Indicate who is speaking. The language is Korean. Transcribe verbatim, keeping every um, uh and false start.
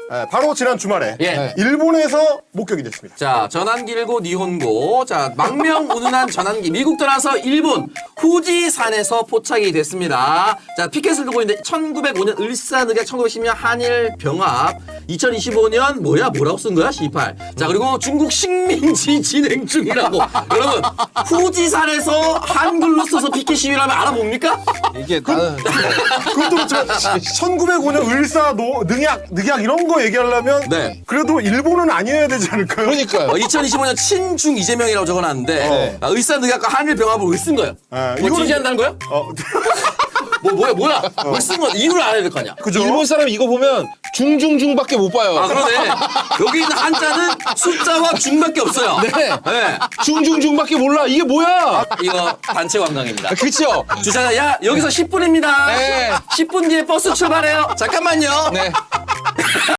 Speaker 1: 예, 바로 지난 주말에
Speaker 2: 예.
Speaker 1: 일본에서 목격이 됐습니다.
Speaker 2: 자, 전환기 일고 니혼고. 자, 망명 운운한 전환기. 미국 떠나서 일본 후지산에서 포착이 됐습니다. 자, 피켓을 두고 있는데 천구백오 년 을사늑약, 천구백십 년 한일 병합, 이천이십오 년 뭐야? 뭐라고 쓴 거야? 시팔. 자, 그리고 중국 식민지 진행 중이라고. 여러분, 후지산에서 한글로 써서 피켓 시위를 하면 알아봅니까?
Speaker 3: 이게 나는
Speaker 1: 그것도 그렇지만 천구백오 년 을사 노, 늑약, 늑약 이런 거 얘기하려면
Speaker 2: 네.
Speaker 1: 그래도 일본은 아니어야 되지 않을까요?
Speaker 3: 그러니까요.
Speaker 2: 어, 이천이십오 년 친중 이재명이라고 적어놨는데
Speaker 3: 네.
Speaker 2: 아, 을사늑약과 한일 병합을 왜 쓴 거예요?
Speaker 1: 아,
Speaker 2: 뭐
Speaker 1: 이거는-
Speaker 2: 지지한다는 거예요?
Speaker 1: 어,
Speaker 2: 뭐 뭐야 뭐야? 왜 쓴 거야? 이유를 알아야 될 거 아니야?
Speaker 1: 그죠?
Speaker 3: 일본 사람 이거 보면 중중중밖에 못 봐요.
Speaker 2: 아 그러네. 여기 있는 한자는 숫자와 중밖에 없어요.
Speaker 3: 네.
Speaker 2: 네.
Speaker 3: 중중중밖에 몰라. 이게 뭐야?
Speaker 2: 이거 단체 관광입니다.
Speaker 3: 아, 그쵸?
Speaker 2: 주차장 야 여기서 십 분입니다.
Speaker 3: 네.
Speaker 2: 십 분 뒤에 버스 출발해요. 잠깐만요.
Speaker 3: 네.